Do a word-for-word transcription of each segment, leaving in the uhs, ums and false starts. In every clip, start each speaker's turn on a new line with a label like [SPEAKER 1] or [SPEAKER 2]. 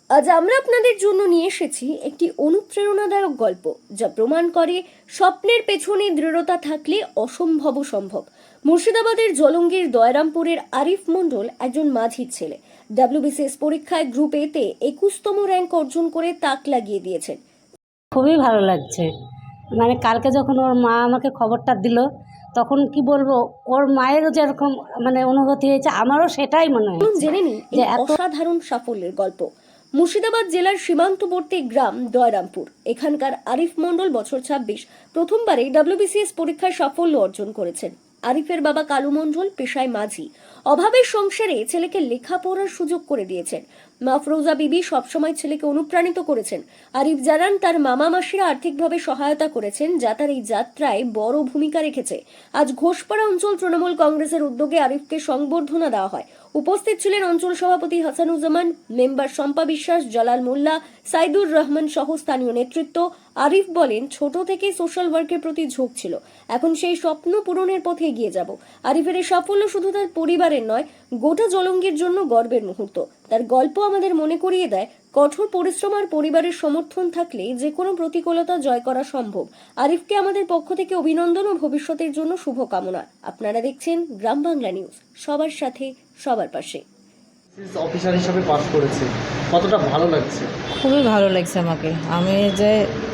[SPEAKER 1] আজ আমরা আপনাদের জন্য নিয়ে এসেছি একটি অনুপ্রেরণাদায়ক গল্প, যা প্রমাণ করে স্বপ্নের পেছনে দৃঢ়তা থাকলে অসম্ভব সম্ভব। মুর্শিদাবাদের জলঙ্গির দয়রামপুরের আরিফ মণ্ডল একজন মাঝির ছেলে। ডাব্লিউবিসিএস পরীক্ষায় গ্রুপ এতে একুশতম র্যাঙ্ক অর্জন করে তাক লাগিয়ে দিয়েছেন।
[SPEAKER 2] খুবই ভালো লাগছে। মানে কালকে যখন ওর মা আমাকে খবরটা দিল, তখন কি বলবো, ওর মায়েরও যেরকম মানে অনুভূতি হয়েছে, আমারও সেটাই মনে
[SPEAKER 1] চলুন
[SPEAKER 2] হয়েছে
[SPEAKER 1] জেনে নিই
[SPEAKER 2] যে
[SPEAKER 1] এই
[SPEAKER 2] এত
[SPEAKER 1] অসাধারণ সাফল্যের গল্প। মুর্শিদাবাদ জেলার সীমান্তবর্তী গ্রাম দয়রামপুর। এখানকার আরিফ মণ্ডল বছর ছাব্বিশ প্রথমবারে ডাব্লিউবিসিএস পরীক্ষায় সাফল্য অর্জন করেছেন। আরিফের বাবা কালু মণ্ডল পেশায় মাঝি। অভাবের সংসারে ছেলেকে লেখাপড়ার সুযোগ করে দিয়েছেন। মা ফরোজা বিবি সবসময় ছেলেকে অনুপ্রাণিত করেছেন। আরিফ জানান তার মামা মাসিরা আর্থিকভাবে সহায়তা করেছেন, যা তার এই যাত্রায় বড় ভূমিকা রেখেছে। আজ ঘোষপাড়া অঞ্চল তৃণমূল কংগ্রেসের উদ্যোগে আরিফকে সংবর্ধনা দেওয়া হয়। উপস্থিত ছিলেন অঞ্চল সভাপতি হাসানুজ্জামান, মেম্বার শম্পা বিশ্বাস, জালাল মোল্লা, সাইদুর রহমান সহ স্থানীয় নেতৃত্ব। আরিফ বলেন, ছোট থেকেই সোশ্যাল ওয়ার্কের প্রতি ঝোঁক ছিল। এখন সেই স্বপ্ন পূরণের পথে এগিয়ে যাব। আরিফের এই সাফল্য শুধু তার পরিবারের নয়, গোটা জলঙ্গির জন্য গর্বের মুহূর্ত। তার গল্প আমাদের মনে করিয়ে দেয়, কঠোর পরিশ্রম আর পরিবারের সমর্থন থাকলে যে কোনো প্রতিকূলতা জয় করা সম্ভব। আরিফকে আমাদের পক্ষ থেকে অভিনন্দন ও ভবিষ্যতের জন্য শুভকামনা। আপনারা দেখছেন গ্রাম বাংলা নিউজ, সবার সাথে সবার পাশে।
[SPEAKER 3] অফিসার হিসাবে পাস করেছে, কতটা ভালো লাগছে?
[SPEAKER 4] খুবই ভালো লাগছে আমাকে। আমি যে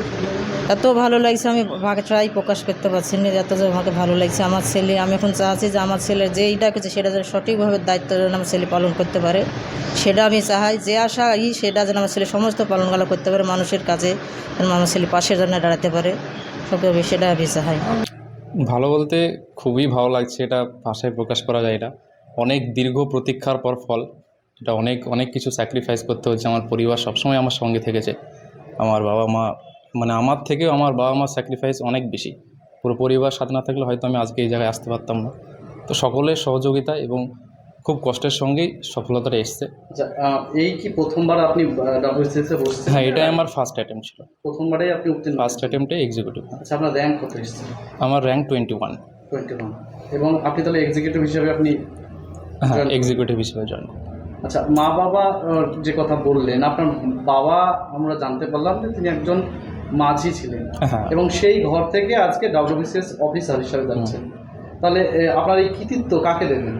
[SPEAKER 4] এত ভালো লাগছে, আমি ভাষায় প্রকাশ করতে পারছি না এত যে আমাকে ভালো লাগছে। আমার ছেলে, আমি এখন চাচ্ছি যে আমার ছেলের যেইটা কিছু সেটা যেন সঠিকভাবে দায়িত্ব যেন আমার ছেলে পালন করতে পারে, সেটা আমি চাই। যে আশা ই সেটা যেন আমার ছেলে সমস্ত পালনগুলো করতে পারে, মানুষের কাছে যেন আমার ছেলে পাশে যেন দাঁড়াতে পারে, সবকে সেটা আমি চাই।
[SPEAKER 5] ভালো বলতে খুবই ভালো লাগছে, এটা ভাষায় প্রকাশ করা যায় না। অনেক দীর্ঘ প্রতীক্ষার পর ফল। এটা অনেক অনেক কিছু স্যাক্রিফাইস করতে হচ্ছে। আমার পরিবার সবসময় আমার সঙ্গে থেকেছে। আমার বাবা মা, মানে আমার থেকেও আমার বাবা মার স্যাক্রিফাইস অনেক বেশি। পুরো পরিবার সাথে না থাকলে হয়তো আমি আজকে এই জায়গায় আসতে পারতাম না। তো সকলের সহযোগিতা এবং খুব কষ্টের সঙ্গেই সফলতাটা এসছে।
[SPEAKER 3] আচ্ছা, আহ, এই কি প্রথমবার আপনি ডাব্লিউবিসিএস এ বসছেন?
[SPEAKER 5] হ্যাঁ, এটাই আমার ফার্স্ট অ্যাটেম্প ছিল।
[SPEAKER 3] প্রথমবারেই আপনি উত্তীর্ণ?
[SPEAKER 5] ফার্স্ট অ্যাটেম্পটে এক্সিকিউটিভ।
[SPEAKER 3] আচ্ছা, আপনার র্যাঙ্ক কত এসেছে?
[SPEAKER 5] আমার rank twenty one.
[SPEAKER 3] Twenty one. এবং আপনি তাহলে এক্সিকিউটিভ হিসেবে আপনি?
[SPEAKER 5] হ্যাঁ,
[SPEAKER 3] join-
[SPEAKER 5] এক্সিকিউটিভ হিসেবে জয়েন।
[SPEAKER 3] আচ্ছা, মা বাবা আহ, যে কথা বললেন, আপনার বাবা আমরা জানতে পারলাম যে তিনি একজন মাঝি ছিলেন,
[SPEAKER 5] হ্যাঁ।
[SPEAKER 3] এবং সেই ঘর থেকে আজকে ডাব্লিউবিসিএস অফিসার হিসাবে যাচ্ছেন। তাহলে আহ, আপনার এই কৃতিত্ব কাকে দেবেন?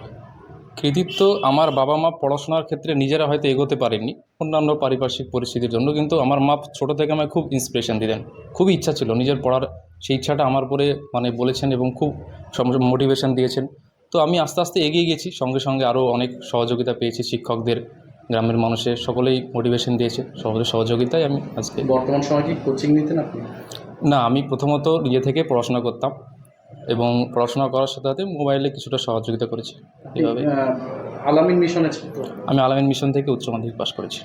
[SPEAKER 5] কৃতিত্ব আমার বাবা মা পড়াশোনার ক্ষেত্রে নিজেরা হয়তো এগোতে পারেননি অন্যান্য পারিপার্শ্বিক পরিস্থিতির জন্য, কিন্তু আমার মা ছোটো থেকে আমায় খুব ইন্সপিরেশন দিতেন। খুবই ইচ্ছা ছিল নিজের পড়ার, সেই ইচ্ছাটা আমার পরে মানে বলেছেন এবং খুব মোটিভেশন দিয়েছেন। তো আমি আস্তে আস্তে এগিয়ে গেছি, সঙ্গে সঙ্গে আরও অনেক সহযোগিতা পেয়েছি। শিক্ষকদের, গ্রামের মানুষের সকলেই মোটিভেশন দিয়েছে, সকলের সহযোগিতায় আমি আজকে।
[SPEAKER 3] বর্তমান সময় কি কোচিং নিতেন আপনি?
[SPEAKER 5] না, আমি প্রথমত নিজে থেকে পড়াশোনা করতাম এবং পড়াশোনা করার সাথে সাথে মোবাইলে কিছুটা সহযোগিতা করেছি। এইভাবে
[SPEAKER 3] আহ, আলামিন মিশনে ছাত্র?
[SPEAKER 5] আমি আলামিন মিশন থেকে উচ্চ মাধ্যমিক পাশ করেছি।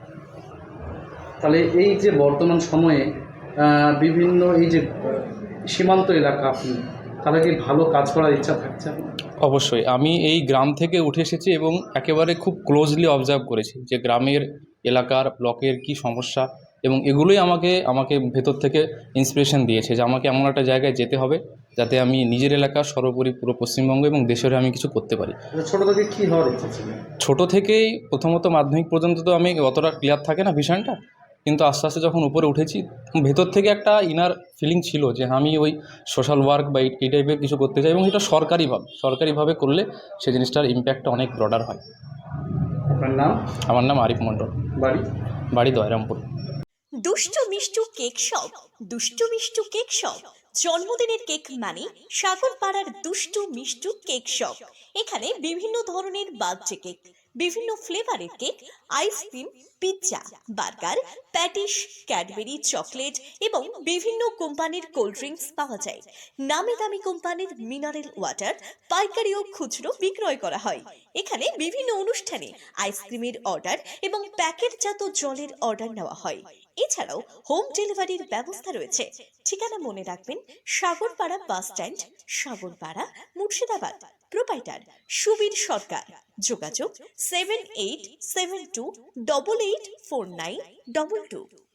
[SPEAKER 3] তাহলে এই যে বর্তমান সময়ে আহ, বিভিন্ন এই যে আহ, সীমান্ত এলাকা, আপনি তাহলে কি ভালো কাজ করার ইচ্ছা থাকছে আপনার?
[SPEAKER 5] অবশ্যই। আমি এই গ্রাম থেকে উঠে এসেছি এবং একেবারে খুব ক্লোজলি অবজার্ভ করেছি যে গ্রামের, এলাকার, ব্লকের কি সমস্যা, এবং এগুলোই আমাকে আমাকে ভেতর থেকে ইন্সপিরেশন দিয়েছে যে আমাকে এমন একটা জায়গায় যেতে হবে যাতে আমি নিজের এলাকা, সর্বোপরি পুরো পশ্চিমবঙ্গ এবং দেশের আমি কিছু করতে পারি।
[SPEAKER 3] ছোটো থেকে কী হওয়ার ইচ্ছা ছিল?
[SPEAKER 5] ছোটো থেকেই প্রথমত মাধ্যমিক পর্যন্ত তো আমি অতটা ক্লিয়ার থাকে না বিষয়টা, কিন্তু আস্তে আস্তে যখন উপরে উঠেছি, ভেতর থেকে একটা ইনার ফিলিং ছিল যে আমি ওই সোশ্যাল ওয়ার্ক বা এই টাইপের কিছু করতে চাই, এবং এটা সরকারিভাবে সরকারিভাবে করলে সেই জিনিসটার ইম্প্যাক্টটা অনেক ব্রডার হয়।
[SPEAKER 3] আপনার নাম?
[SPEAKER 5] আমার নাম আরিফ মণ্ডল,
[SPEAKER 3] বাড়ি?
[SPEAKER 5] বাড়ি দয়রামপুর।
[SPEAKER 6] দুষ্টু Mishtu cake shop, Dushtu Mishtu cake shop. জন্মদিনের কেক মানে সাগর পাড়ার দুষ্টু মিষ্টু কেক শপ। এখানে বিভিন্ন ধরনের বার্থডে কেক, বিভিন্ন ফ্লেভারের cake, ice cream, pizza, burger, patties, Cadbury, chocolate এবং বিভিন্ন কোম্পানির কোল্ড ড্রিঙ্কস পাওয়া যায়। নামি দামি কোম্পানির মিনারেল ওয়াটার পাইকারি ও খুচরো বিক্রয় করা হয়। এখানে বিভিন্ন অনুষ্ঠানে আইসক্রিমের অর্ডার এবং প্যাকেটজাত জলের অর্ডার নেওয়া হয়। এছাড়াও হোম ডেলিভারির ব্যবস্থা রয়েছে। ঠিকানা মনে রাখবেন, Sagarpara bus stand, Sagarpara, Murshidabad. Proprietor Subir Sarkar. যোগাযোগ seven eight seven two double eight four nine double two.